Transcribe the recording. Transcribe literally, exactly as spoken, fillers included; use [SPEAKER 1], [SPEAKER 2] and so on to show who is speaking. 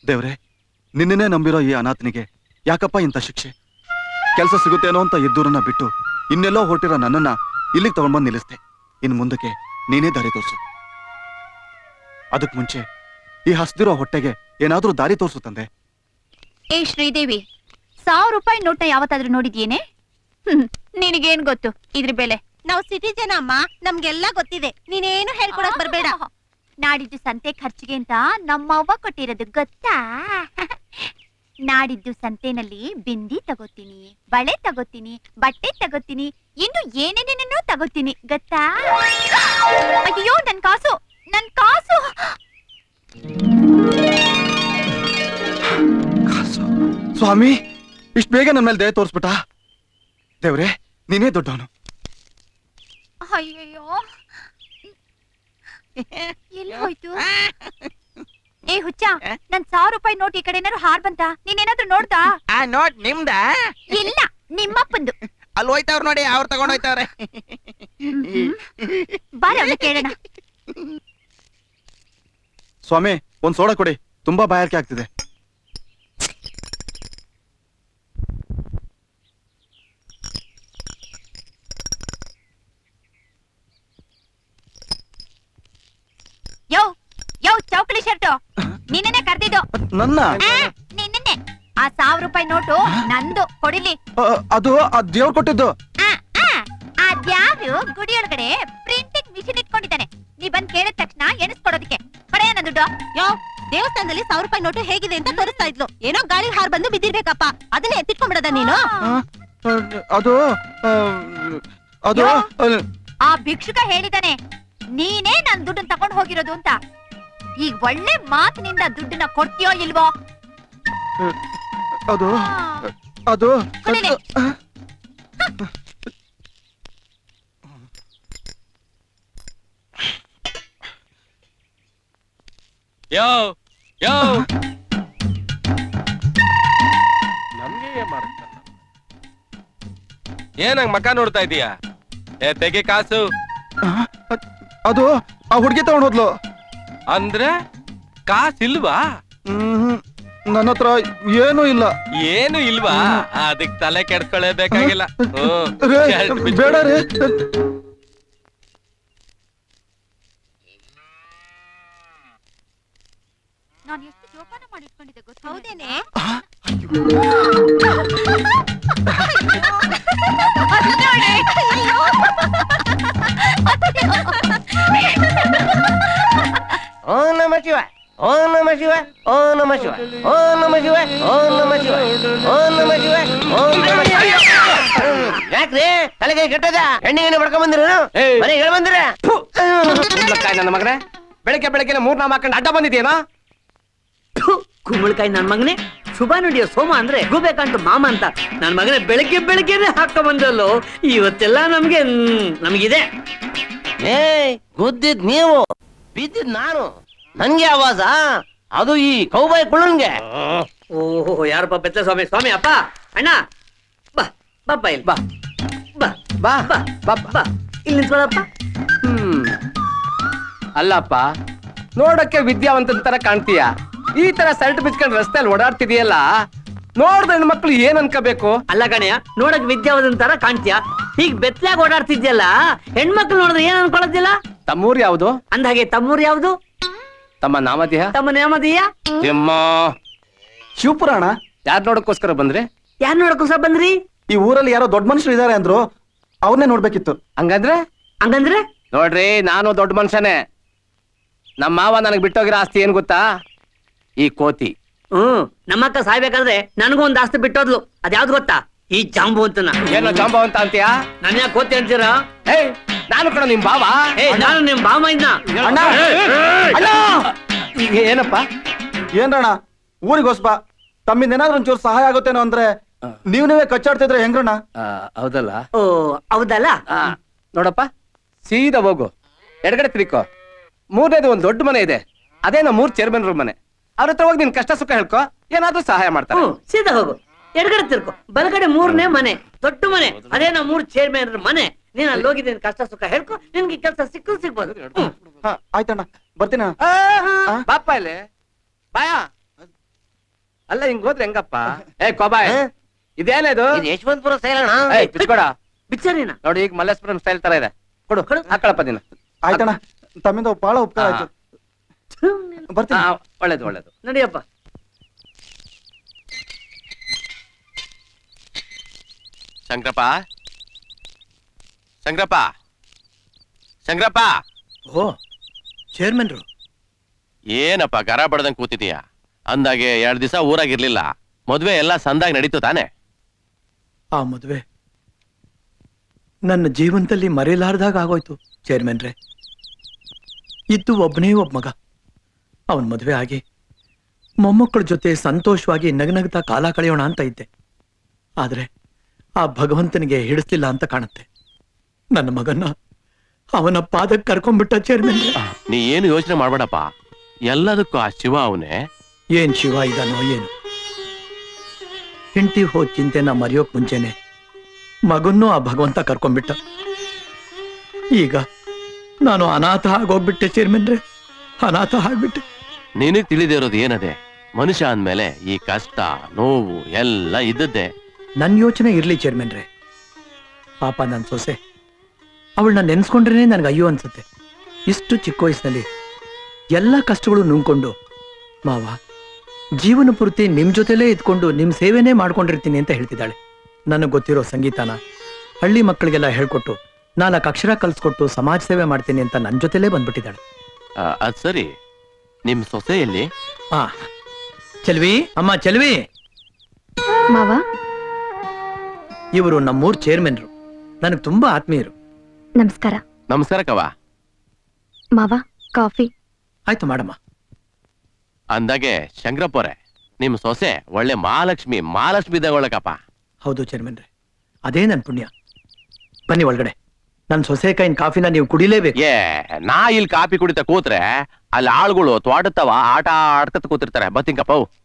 [SPEAKER 1] ದೇವ್ರೆ, ನಿನ್ನೇ ನಂಬಿರೋ ಈ ಅನಾಥನಿಗೆ ಯಾಕಪ್ಪ ಇಂಥ ಶಿಕ್ಷೆ? ಕೆಲಸ ಸಿಗುತ್ತೇನೋ ಅಂತ ಇದ್ದೂರನ್ನ ಬಿಟ್ಟು ಇನ್ನೆಲ್ಲೋ ಹೊರಟಿರೋ ನನ್ನನ್ನ ಇಲ್ಲಿಗೆ ತಗೊಂಡ್ಬಂದು ನಿಲ್ಲಿಸ್ದೆ. ಇನ್ನು ಮುಂದಕ್ಕೆ ನೀನೇ ದಾರಿ ತೋರಿಸು. ಅದಕ್ ಮುಂಚೆ ಈ ಹಸ್ದಿರೋ ಹೊಟ್ಟೆಗೆ ಏನಾದ್ರೂ ದಾರಿ ತೋರಿಸು ತಂದೆ.
[SPEAKER 2] ಏ ಶ್ರೀದೇವಿ, ಸಾವಿರ ರೂಪಾಯಿ ನೋಟ್ನ ಯಾವತ್ತಾದ್ರೂ ನೋಡಿದ್ಯೇನೆ? ನಿನಗೇನ್ ಗೊತ್ತು ಇದ್ರ ಬೆಲೆ?
[SPEAKER 3] ನಾವು ಸಿಟಿ ಜನ ಅಮ್ಮ, ನಮ್ಗೆಲ್ಲ ಗೊತ್ತಿದೆ. ನೀನೇನು ಹೇಳ್ಕೊಡಕ್ ಬರ್ಬೇಡ.
[SPEAKER 2] ನಾಡಿದ್ದು ಸಂತೆ ಖರ್ಚಿಗೆ ಅಂತ ನಮ್ಮವ್ವ ಕೊಟ್ಟಿರೋದು ಗೊತ್ತಾ? ನಾಡಿದ್ದು ಸಂತೆನಲ್ಲಿ ಬಿಂದಿ ತಗೋತೀನಿ, ಬಳೆ ತಗೋತೀನಿ, ಬಟ್ಟೆ ತಗೋತೀನಿ, ಇನ್ನು ಏನೇನೇನೇನೋ ತಗೋತೀನಿ ಗೊತ್ತಾ? ಅಯ್ಯೋ ನನ್ ಕಾಸು, ನನ್ ಕಾಸು!
[SPEAKER 1] ಕಾಸು? ಸ್ವಾಮಿ, ಇಷ್ಟು ಬೇಗ ನನ್ನ ಮೇಲೆ ದಯ ತೋರಿಸ್ಬಿಟ್ಟ? ದೇವ್ರೆ, ನೀನೇ ದೊಡ್ಡವನು.
[SPEAKER 2] ಅಯ್ಯಯ್ಯೋ, ಎಲ್ಲಿ ಹೋಯ್ತು? ಏ ಹುಚ್ಚ, ನನ್ ಸಾವಿರ ರೂಪಾಯಿ ನೋಟ್ ಈ ಕಡೆ ಏನಾದ್ರು ಹಾರ್ ಬಂತ? ನೀನೇನಾದ್ರೂ ನೋಡ್ದಾ?
[SPEAKER 4] ಆ ನೋಟ್ ನಿಮ್ದ?
[SPEAKER 2] ಇಲ್ಲ, ನಿಮ್ಮಪ್ಪಂದು.
[SPEAKER 4] ಅಲ್ಲಿ ಹೋಯ್ತವ್ರ ನೋಡಿ, ಅವ್ರು ತಗೊಂಡ್ ಹೋಯ್ತವ್ರೆ.
[SPEAKER 2] ಬಾರ ಅವನ್ನ ಕೇಳೋಣ.
[SPEAKER 1] ಸ್ವಾಮಿ, ಒಂದ್ ಸೋಡಾ ಕೊಡಿ, ತುಂಬಾ ಬಾಯಾರಿಕೆ ಆಗ್ತಿದೆ.
[SPEAKER 2] ಯೋ ಯೋ ಚೌಕಳಿ ಶರ್ಟು, ನಿನ್ನೆ ಕರ್ದಿದ್ದು.
[SPEAKER 1] ನನ್ನ
[SPEAKER 2] ನಿನ್ನೆ ಆ ಸಾವಿರ ರೂಪಾಯಿ ನೋಟು ನಂದು, ಕೊಡಿಲಿ.
[SPEAKER 1] ಅದು ಆ ದೇವ್ರು ಕೊಟ್ಟಿದ್ದು.
[SPEAKER 2] ಅದ್ಯಾರು ಗುಡಿಯೊಳಗಡೆ ಪ್ರಿಂಟಿಂಗ್ ಮಿಷಿನ್ ಇಟ್ಕೊಂಡಿದ್ದಾನೆ. ನೀ ಬಂದ್ ಕೇಳಿದ ತಕ್ಷಣ ಎಣಿಸ್ಕೊಡೋದಕ್ಕೆ ಕೊಡೆಯ ನನ್ನ ದುಡ್ಡು.
[SPEAKER 3] ಯೋ, ದೇವಸ್ಥಾನದಲ್ಲಿ ಸಾವಿರ ರೂಪಾಯಿ ನೋಟು ಹೇಗಿದೆ ಅಂತ ತೋರಿಸ್ತಾ ಇದ್ಲು. ಏನೋ ಗಾಳಿ ಹಾರ್ ಬಂದು ಬಿದ್ದಿರ್ಬೇಕಪ್ಪ, ಅದನ್ನೇ ಎತ್ತಿಟ್ಕೊಂಡ್ಬಿಡದ ನೀನು?
[SPEAKER 1] ಅದು ಅದು
[SPEAKER 2] ಆ ಭಿಕ್ಷುಕ ಹೇಳಿದಾನೆ ನೀನೇ ನನ್ ದುಡ್ಡನ್ನ ತಗೊಂಡು ಹೋಗಿರೋದು ಅಂತ. ಈಗ ಒಳ್ಳೆ ಮಾತಿನಿಂದ ದುಡ್ಡನ್ನ ಕೊಡ್ತೀಯೋ ಇಲ್ವೋ?
[SPEAKER 1] ಅದು ಅದು
[SPEAKER 5] ಯೋ ಯೋ ನಮ್ಗೆ ಏನ್ ಮಾಡುತ್ತ? ಏನಂಗ್ ಮಕ್ಕ ನೋಡ್ತಾ ಇದೀಯಾ? ಏ ತೆಗೆ ಕಾಸು.
[SPEAKER 1] ಅದು ಆ ಹುಡುಗಿ ತಗೊಂಡ್ ಹೋದ್ಲು.
[SPEAKER 5] ಅಂದ್ರೆ ಕಾಸಿಲ್ವಾ?
[SPEAKER 1] ಹ್ಮ್, ನನ್ನ ಹತ್ರ ಏನೂ ಇಲ್ಲ.
[SPEAKER 5] ಏನು ಇಲ್ವಾ? ಅದಕ್ ತಲೆ ಕೆಡ್ಸ್ಕೊಳ್ಳೇಬೇಕಾಗಿಲ್ಲ.
[SPEAKER 1] ಬೇಡ ರೀ.
[SPEAKER 2] ನಾನು ಎಷ್ಟು ಜೋಪಾನ ಮಾಡಿಟ್ಕೊಂಡಿದ್ದೆ ಗೊತ್ತಾ?
[SPEAKER 3] ಹೌದೇನೆ?
[SPEAKER 4] ಓಂ ನಮ ಶಿವ, ಓಂ ನಮ ಶಿವ, ಓಂ ನಮ ಶಿವ, ಓಂ ನಮ ಶಿವ, ಓಂ ನಮ ಶಿವ, ಓಂ ನಮ ಶಿವ, ಓಂ ನಮ ಶಿವ. ಯಾಕ್ರಿ ತಲೆಗೆ ಕೆಟ್ಟದ? ಎಣ್ಣೆಗೆ ಬಡ್ಕೊಂಡ್ ಬಂದಿರ? ಮನೆಗೆ ಹೇಳ ಬಂದಿರ?
[SPEAKER 6] ನನ್ನ ಮಗನೇ, ಬೆಳಗ್ಗೆ ಬೆಳಗ್ಗೆ ಮೂರ್ ನಾಮ ಹಾಕೊಂಡು ಅಡ್ಡ ಬಂದಿದ್ಯೇನೋ?
[SPEAKER 7] ಕುಂಬಳಕಾಯಿ ನನ್ ಮಗನೇ, ಶುಭ ನುಡಿಯೋ ಸೋಮ ಅಂದ್ರೆ ಗೂಬೇಕಂತ ಮಾಮ ಅಂತ ನನ್ ಮಗನೇ ಬೆಳಗ್ಗೆ ಬೆಳಗ್ಗೆನೆ ಹಾಕ ಬಂದಲ್ಲೋ. ಇವತ್ತೆಲ್ಲ ನಮ್ಗೆ ನಮಗಿದೆ.
[SPEAKER 4] ಏ ಗುದ್ದಿದ್ ನೀವು, ಬಿದ್ದಿದ್ ನಾನು. ನನ್ಗೆ ಆವಾಜ ಅದು ಈ ಕೌಬಾಯ್ ಕುಳ್ಳನ್ಗೆ.
[SPEAKER 7] ಓಹೋ, ಯಾರಪ್ಪ ಬೆತ್ತ ಸ್ವಾಮಿ? ಸ್ವಾಮಿ ಅಪ್ಪ, ಅಣ್ಣ ಬಾ ಬಾಪ್ಪ, ಇಲ್ಲಿ ಬಾ ಬಾ
[SPEAKER 6] ಬಾ
[SPEAKER 7] ಬಾ
[SPEAKER 6] ಬಾ
[SPEAKER 7] ಬಾ ಇಲ್ಲಿ ನಿಂತ್ಕೊಳಪ್ಪ.
[SPEAKER 6] ಹ್ಮ್, ಅಲ್ಲಪ್ಪ, ನೋಡಕ್ಕೆ ವಿದ್ಯಾವಂತನ ತರ ಕಾಣ್ತೀಯ. ಈ ತರ ಶರ್ಟ್ ಬಿಚ್ಕೊಂಡು ರಸ್ತೆಯಲ್ಲಿ ಓಡಾಡ್ತಿದೀಯಲ್ಲ, ನೋಡ್ದ ಹೆಣ್ಮಕ್ಳು ಏನ್ ಅನ್ಕೋಬೇಕು?
[SPEAKER 7] ಅಲ್ಲ ಕಣಯ್ಯ, ನೋಡಕ್ ವಿದ್ಯಾವಂತನ ತರ ಕಾಣ್ತೀಯ, ಹೀಗ್ ಬೆತ್ತಲಾಗ ಓಡಾಡ್ತಿದ್ಯಲ್ಲ, ಹೆಣ್ಮಕ್ಳು ನೋಡಿದ್ರೆ ಏನ್ ಅನ್ಕೊಳದಿಲ್ಲ?
[SPEAKER 6] ತಮ್ಮೂರ್ ಯಾವ್ದು?
[SPEAKER 7] ಅಂದಾಗೆ ತಮ್ಮೂರ್ ಯಾವ್ದು?
[SPEAKER 6] ತಮ್ಮ ನಾಮಧೇಯ?
[SPEAKER 7] ತಮ್ಮ ನೇಮದೀಯ?
[SPEAKER 6] ತಿಮ್ಮ
[SPEAKER 1] ಶಿವಪುರಾಣ.
[SPEAKER 6] ಯಾರ್ ನೋಡಕ್ಕೋಸ್ಕರ ಬಂದ್ರಿ?
[SPEAKER 7] ಯಾರ್ ನೋಡಕ್ಕೋಸ್ಕರ ಬಂದ್ರಿ?
[SPEAKER 1] ಈ ಊರಲ್ಲಿ ಯಾರೋ ದೊಡ್ಡ ಮನುಷ್ಯರು ಇದಾರೆ ಅಂದ್ರು, ಅವ್ರನ್ನೇ ನೋಡ್ಬೇಕಿತ್ತು.
[SPEAKER 6] ಹಂಗಂದ್ರೆ
[SPEAKER 7] ಹಂಗಂದ್ರೆ
[SPEAKER 6] ನೋಡ್ರಿ, ನಾನು ದೊಡ್ಡ ಮನುಷ್ಯನೇ. ನಮ್ಮ ಮಾವ ನನಗ್ ಬಿಟ್ಟೋಗಿರೋ ಆಸ್ತಿ ಏನ್ ಗೊತ್ತಾ? ಈ ಕೋತಿ.
[SPEAKER 7] ಹ್ಮ್, ನಮ್ಮಕ್ಕ ಸಾಯ್ಬೇಕಾದ್ರೆ ನನಗೂ ಒಂದ್ ಆಸ್ತಿ ಬಿಟ್ಟೋದ್ಲು. ಅದ್ಯಾವ್ದು ಗೊತ್ತಾ? ಈ ಜಾಂಬು ಅಂತನ.
[SPEAKER 6] ಏನೋ ಜಾಂಬ ಅಂತ ಅಂತೀಯಾ?
[SPEAKER 7] ನನ್ ಯಾಕೆ ಕೋತಿ ಅಂತೀರಾ?
[SPEAKER 6] ಏಯ್, ನಾನು ಕಣ ನಿಮ್ ಬಾವ.
[SPEAKER 7] ಏ, ನಾನು ನಿಮ್ ಬಾಮ ಇದ್ನ.
[SPEAKER 1] ಅಣ್ಣ, ಅಣ್ಣ!
[SPEAKER 6] ಏನಪ್ಪ?
[SPEAKER 1] ಏನ್ರಣ್ಣ, ಊರಿಗೆ ಹೊಸ್ಬ, ತಮ್ಮಿಂದ ಏನಾದ್ರು ಒಂಚೂರು ಸಹಾಯ ಆಗುತ್ತೇನೋ ಅಂದ್ರೆ ನೀವ್ ನೀವೇ ಕಚ್ಚಾಡ್ತಿದ್ರೆ ಹೆಂಗ್ರಣ್ಣ?
[SPEAKER 6] ಹೌದಲ್ಲ?
[SPEAKER 7] ಓ ಹೌದಲ್ಲ?
[SPEAKER 6] ನೋಡಪ್ಪ, ಸೀದಾ ಹೋಗು, ಎಡಗಡೆ ತಿರ್ಕೋ. ಮೂರನೇದು ಒಂದ್ ದೊಡ್ಡ ಮನೆ ಇದೆ, ಅದೇ ನಮ್ಮ ಮೂರ್ ಚೇರ್ಮನ್ ರೂಮ್ ಮನೆ. ಅವ್ರ ಹತ್ರ ಹೋಗಿ ನಿನ್ ಕಷ್ಟ ಸುಖ ಹೇಳ್ಕೊ, ಏನಾದ್ರೂ ಸಹಾಯ ಮಾಡ್ತಾರೆ.
[SPEAKER 7] ಹ್ಮ್, ಸೀದಾ ಹೋಗು, ಎಡಗಡೆ ತಿರ್ಕೊ, ಬಲಗಡೆ ಮೂರನೇ ಮನೆ, ದೊಡ್ಡ ಮನೆ, ಅದೇ ನಾ ಮೂರ್ ಚೇರ್ಮನ್ ಮನೆ. ನೀನ್ ಅಲ್ಲಿ ಹೋಗಿದ್ದೀನಿ, ಕಷ್ಟ ಸುಖ ಹೇಳ್ಕೊ, ನಿನ್ಗೆ ಕೆಲಸ ಸಿಕ್ಕು ಸಿಗ್ಬೋದು.
[SPEAKER 1] ಆಯ್ತಣ್ಣ, ಬರ್ತೀನ.
[SPEAKER 6] ಬಾಪ ಇಲ್ಲಿ ಬಾಯ. ಅಲ್ಲ ಹಿಂಗ್ ಹೋದ್ರೆ ಹೆಂಗಪ್ಪ? ಏ ಕೋಬಾಯ್,
[SPEAKER 4] ಹ?
[SPEAKER 6] ಇದೇನಿದು?
[SPEAKER 4] ಇದು ಯಶವಂತಪುರ ಸೈಲಣ
[SPEAKER 6] ಏಯ್ ಬಿಚ್ಕೊಡ.
[SPEAKER 7] ಬಿಚ್ಚರಿನ
[SPEAKER 6] ನೋಡಿ ಈಗ ಮಲ್ಲೇಶ್ವರಂ ಸ್ಟೈಲ್ ತರ ಇದೆ. ಕೊಡು ಹಾಕೊಳಪ್ಪ ದಿನ.
[SPEAKER 1] ಆಯ್ತಣ್ಣ, ತಮ್ಮಿಂದ ಬಹಳ ಉಪಕಾರ ಆಯ್ತು. ಬರ್ತೀನಿ.
[SPEAKER 6] ಒಳ್ಳೇದು ಒಳ್ಳೇದು.
[SPEAKER 7] ನಡಿಯಪ್ಪ.
[SPEAKER 5] ಶಂಕರಪ್ಪ ಶಂಕರಪ್ಪ ಶಂಕರಪ್ಪ
[SPEAKER 8] ಓ ಚೇರ್ಮನ್ರು.
[SPEAKER 5] ಏನಪ್ಪ ಗರ ಬಡ್ದಂಗ್ ಕೂತಿದೀಯ? ಅಂದಾಗೆ ಎರಡ್ ದಿವಸ ಊರಾಗಿರ್ಲಿಲ್ಲ. ಮದ್ವೆ ಎಲ್ಲ ಸಂದಾಗಿ ನಡೀತು ತಾನೆ?
[SPEAKER 8] ಆ ಮದುವೆ ನನ್ನ ಜೀವನದಲ್ಲಿ ಮರೆಯಲಾರ್ದಾಗ ಆಗೋಯ್ತು ಚೇರ್ಮನ್ರೆ. ಇದ್ದು ಒಬ್ಬನೇ ಒಬ್ಬ ಮಗ. ಅವನ್ ಮದುವೆ ಆಗಿ ಮೊಮ್ಮಕ್ಕಳ ಜೊತೆ ಸಂತೋಷವಾಗಿ ನಗನಗ್ತಾ ಕಾಲ ಕಳೆಯೋಣ ಅಂತ ಇದ್ದೆ. ಆದ್ರೆ ಆ ಭಗವಂತನಿಗೆ ಹಿಡಿಸ್ಲಿಲ್ಲ ಅಂತ ಕಾಣುತ್ತೆ. ನನ್ನ ಮಗನ್ನ ಅವನ ಪಾದಕ್ಕೆ ಕರ್ಕೊಂಡ್ಬಿಟ್ಟ ಚೇರ್ಮನ್ರೆ.
[SPEAKER 5] ನೀ ಏನು ಯೋಚನೆ ಮಾಡ್ಬೇಡಪ್ಪ, ಎಲ್ಲದಕ್ಕೂ ಆ ಶಿವ ಅವನೇ.
[SPEAKER 8] ಏನ್ ಶಿವ ಇದಾನೋ ಏನು. ಹೆಂಡತಿ ಹೋದ್ ಚಿಂತೆನ ಮರೆಯೋಕ್ ಮುಂಚೆನೆ ಮಗನ್ನೂ ಆ ಭಗವಂತ ಕರ್ಕೊಂಡ್ಬಿಟ್ಟ. ಈಗ ನಾನು ಅನಾಥ ಆಗೋಗ್ಬಿಟ್ಟೆ ಚೇರ್ಮನ್ರೆ, ಅನಾಥ ಆಗ್ಬಿಟ್ಟೆ.
[SPEAKER 5] ನಿನಗ್ ತಿಳಿದಿರೋದು ಏನದೆ? ಮನುಷ್ಯ ಅಂದ್ಮೇಲೆ ಈ ಕಷ್ಟ ನೋವು ಎಲ್ಲ ಇದ್ದದ್ದೇ.
[SPEAKER 8] ನನ್ ಯೋಚನೆ ಇರ್ಲಿ ಚೇರ್ಮನ್ರೆ. ಪಾಪ ನನ್ ಸೊಸೆ, ಅವಳನ್ನ ನೆನ್ಸ್ಕೊಂಡ್ರೇನೆ ನನ್ಗೆ ಅಯ್ಯೋ ಅನ್ಸುತ್ತೆ. ಇಷ್ಟು ಚಿಕ್ಕ ವಯಸ್ಸಿನಲ್ಲಿ ಎಲ್ಲ ಕಷ್ಟಗಳು ನುಂಗ್ಕೊಂಡು, ಮಾವ ಜೀವನ ಪೂರ್ತಿ ನಿಮ್ ಜೊತೆಲೇ ಇದ್ಕೊಂಡು ನಿಮ್ ಸೇವೆನೇ ಮಾಡ್ಕೊಂಡಿರ್ತೀನಿ ಅಂತ ಹೇಳ್ತಿದ್ದಾಳೆ. ನನಗೆ ಗೊತ್ತಿರೋ ಸಂಗೀತನ ಹಳ್ಳಿ ಮಕ್ಕಳಿಗೆಲ್ಲ ಹೇಳ್ಕೊಟ್ಟು ನಾಲ್ಕು ಅಕ್ಷರ ಕಲ್ಸ್ಕೊಟ್ಟು ಸಮಾಜ ಸೇವೆ ಮಾಡ್ತೀನಿ ಅಂತ ನನ್ ಜೊತೆಲೇ ಬಂದ್ಬಿಟ್ಟಿದ್ದಾಳೆ.
[SPEAKER 5] ಆ, ಅದ್ ಸರಿ, ನಿಮ್ ಸೊಸೆ ಎಲ್ಲಿ?
[SPEAKER 8] ಆ ಚೆಲ್ವಿ, ಅಮ್ಮ ಚೆಲ್ವಿ,
[SPEAKER 2] ಮಾವ,
[SPEAKER 8] ಇವರು ನಮ್ಮೂರ್ ಚೇರ್ಮನ್ರು, ನನಗೆ ತುಂಬಾ ಆತ್ಮೀಯರು.
[SPEAKER 2] ನಮಸ್ಕಾರ.
[SPEAKER 5] ನಮಸ್ಕಾರ ಕವ.
[SPEAKER 2] ಮಾವ, ಕಾಫಿ.
[SPEAKER 8] ಆಯ್ತು ಮಾಡಮ್ಮ.
[SPEAKER 5] ಅಂದಾಗೆ ಶಂಕರಪ್ಪವ್ರೆ, ನಿಮ್ ಸೊಸೆ ಒಳ್ಳೆ ಮಹಾಲಕ್ಷ್ಮಿ ಮಹಾಲಕ್ಷ್ಮಿ ಇದ್ದಾಗೊಳಕಪ್ಪ.
[SPEAKER 8] ಹೌದು ಚೇರ್ಮನ್ರೆ, ಅದೇ ನನ್ ಪುಣ್ಯ. ಬನ್ನಿ ಒಳಗಡೆ. ನನ್ ಸೊಸೆ ಕೈನ್ ಕಾಫಿನ ನೀವು ಕುಡಿಲೇಬೇಕು.
[SPEAKER 5] ಏ ನಾ ಇಲ್ಲಿ ಕಾಪಿ ಕುಡಿತ ಕೂತ್ರೆ ಅಲ್ಲಿ ಆಳುಗಳು ತೋಟತ್ತವ ಆಟ ಆಡ್ಕತ್ ಕೂತಿರ್ತಾರೆ. ಬತ್ತಿಂಕಪ್ಪ.